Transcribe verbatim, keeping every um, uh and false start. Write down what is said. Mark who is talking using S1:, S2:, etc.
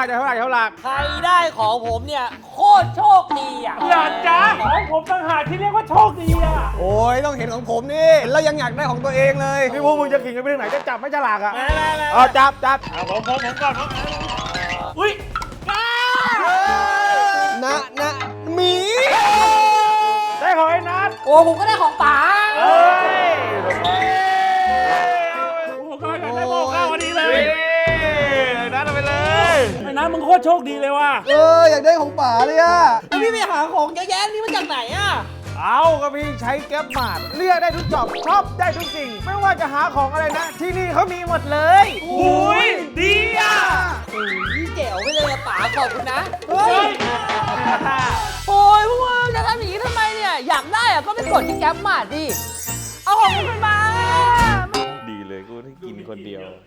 S1: จะเท่าไหร่เท่าไหร่
S2: ใครได้ของผมเนี่ยโคตรโชคดีอ่ะ
S3: อย่าจ้าของผมต่างหากที่เรียกว่าโชคดีอ่ะ
S4: โอ้ยต้องเห็นของผมนี่เห็นแล้วยังอยากได้ของตัวเองเลย
S1: พี่พวกมึงจะขิงกันไปถึงไหนจะจับไม่ฉลากอ่ะ
S3: มามามา
S1: เอาจับจับ
S3: เอาผมผมผมก่อนผมอุ้ย
S4: นะนะหมี
S1: ได้ของไอ้นัท
S2: โอ้ผมก็ได้ของป๋า
S1: เอ้ย
S3: โอ้โหก็อยากได้โมข้าวพอดีเล
S1: เฮ้
S3: ย
S1: ยไอ้นัทเอาไปเลย
S3: ไอ้น้ำมึงโคตรโชคดีเลยว่ะ
S4: เอออยากได้ของป๋าเลยอะ
S2: แล้วพี่ไปหาของเยอะแยะนี่มาจากไหนอ่ะ
S1: เอาก็พี่ใช้แก๊ปมาดเลือกได้ทุกจอบชอบได้ทุกสิ่ง ไม่ว่าจะหาของอะไรนะ ที่นี่เขามีหมดเลย
S3: อุ้ยดีอ่ะ
S2: อุ้ยแจ๋วไปเลยอะป๋าขอบคุณนะ
S3: เฮ้ย
S2: โอ้ยพวกมึงจะทำอย่างนี้ทำไมเนี่ย อยากได้อะก็ไปกดที่แก๊ปมาดิ เอาของมึงไปมา
S1: ดีเลยกูได้กินคนเดียว